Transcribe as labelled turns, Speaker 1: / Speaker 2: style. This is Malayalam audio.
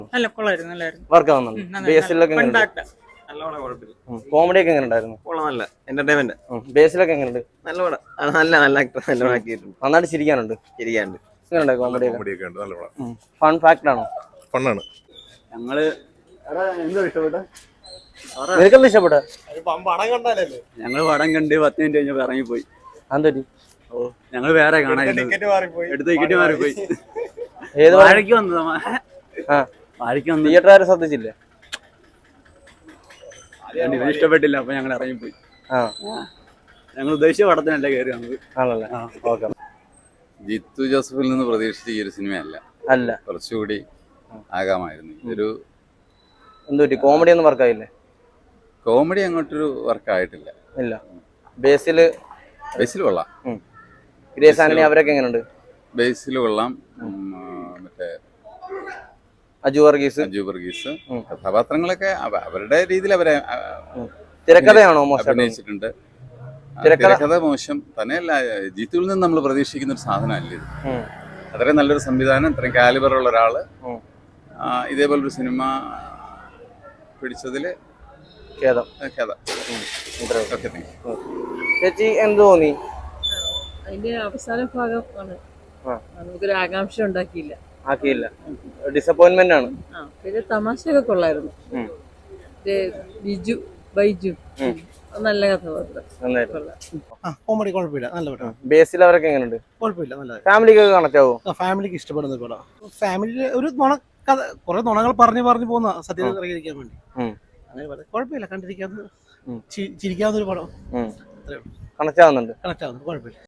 Speaker 1: നല്ല കൊള്ളായിരുന്നു, നല്ലായിരുന്നു.
Speaker 2: വർക്ക് ആവുന്നുണ്ട്. ബേസിലൊക്കെ കോമഡി ഒക്കെ എങ്ങനെ ഉണ്ടായിരുന്നു?
Speaker 3: നല്ല എന്റർടൈൻമെന്റ്.
Speaker 2: ബേസിലൊക്കെ എങ്ങനെയുണ്ട്?
Speaker 3: നല്ല പടം. നല്ല നല്ല ആക്ടർ, നല്ല ആക്കിയിട്ടുണ്ട്.
Speaker 2: നന്നായിട്ട് ചിരിക്കാനുണ്ട്.
Speaker 3: ശരിയാണ്ട്
Speaker 2: എങ്ങനെയുണ്ട് കോമഡി
Speaker 4: കോമഡിയൊക്കെ ഉണ്ട്. നല്ല പടം.
Speaker 2: ഫൺ ഫാക്ട് ആണോ?
Speaker 4: ഫണ്ണാണ്.
Speaker 5: ഞങ്ങള്
Speaker 2: നിനക്കെന്താ ഇഷ്ടപ്പെട്ട?
Speaker 5: ഞങ്ങള് പടം കണ്ട് 10 മിനിറ്റ് കഴിഞ്ഞപ്പോ ഇറങ്ങിപ്പോയി.
Speaker 2: അതെന്താ?
Speaker 5: ഞങ്ങള് വേറെ കാണാൻ എടുത്ത ടിക്കറ്റ് മാറിപ്പോയി.
Speaker 2: ഏത്
Speaker 5: വാഴയ്ക്ക് വന്നതാ. വാഴയ്ക്ക് വന്ന്
Speaker 2: തിയേറ്റർ ആരും ശ്രദ്ധിച്ചില്ലേ?
Speaker 5: ഇഷ്ടപ്പെട്ടില്ല, അപ്പൊ ഞങ്ങൾ ഇറങ്ങിപ്പോയി. ഞങ്ങൾ ഉദ്ദേശിച്ച പടത്തിനല്ല കയറി വന്നത്.
Speaker 2: ആണല്ലേ? ഓക്കെ.
Speaker 6: ജിത്തു ജോസഫിൽ നിന്ന് പ്രതീക്ഷിച്ച ഈ ഒരു സിനിമയല്ല,
Speaker 2: അല്ല,
Speaker 6: കുറച്ചുകൂടി ആകാമായിരുന്നു. ഇതൊരു
Speaker 2: എന്തുപറ്റി? കോമഡി ഒന്നും വർക്കായില്ലേ?
Speaker 6: കോമഡി അങ്ങോട്ടൊരു വർക്കായിട്ടില്ല.
Speaker 2: ഇല്ല. ബേസില്
Speaker 6: കൊള്ളാം.
Speaker 2: ഗ്രേസ് ആന്റണി അവരൊക്കെ എങ്ങനെയുണ്ട്?
Speaker 6: ബേസിൽ കൊള്ളാം. മറ്റേ
Speaker 2: അജു വർഗീസ്
Speaker 6: കഥാപാത്രങ്ങളൊക്കെ അവരുടെ രീതിയിൽ അവരെ
Speaker 2: തിരക്കഥയാണോ
Speaker 6: അഭിനയിച്ചിട്ടുണ്ട്. തിരക്കഥ മോശം തന്നെയല്ല, ജിത്തുവിൽ നിന്ന് നമ്മൾ പ്രതീക്ഷിക്കുന്ന ഒരു സാധനമല്ല ഇത്. അത്രയും നല്ലൊരു സംവിധാനം, ഇത്രയും കാലിബറുള്ള ഒരാള് ഇതേപോലൊരു സിനിമ പിടിച്ചതില്
Speaker 2: ഖേദം. ചേച്ചി എന്ത് തോന്നി?
Speaker 7: അതിന്റെ അവസാന ഭാഗമാണ് നമുക്കൊരു ആകാംക്ഷ ഉണ്ടാക്കിയില്ല.
Speaker 2: ആക്കിയില്ല. ഡിസപ്പോയിന്റ്മെന്റ് ആണ്.
Speaker 7: പിന്നെ തമാശയൊക്കെ കൊള്ളായിരുന്നു. ബൈജു നല്ല കഥാപാത്രം.
Speaker 8: കോമഡി കുഴപ്പമില്ല, നല്ല പടം.
Speaker 2: ബേസിൽ അവരൊക്കെ എങ്ങനെയുണ്ട്?
Speaker 8: കുഴപ്പമില്ല, നല്ല.
Speaker 2: ഫാമിലിക്ക് കണക്ട് ആവോ?
Speaker 8: ഫാമിലിക്ക് ഇഷ്ടപ്പെടുന്ന പടം. ഫാമിലി ഒരു നുണ കഥ, കുറെ നുണകൾ പറഞ്ഞു പോകുന്ന സത്യത്തിൽ ഇറങ്ങിയിരിക്കാൻ വേണ്ടി. അങ്ങനെ പറയാം, കുഴപ്പമില്ല, കണ്ടിരിക്കാവുന്ന ചിരിക്കാവുന്ന ഒരു പടം.
Speaker 2: കണക്ട് ആവുന്നുണ്ട്.
Speaker 8: കണക്ട് ആവുന്നു, കുഴപ്പമില്ല.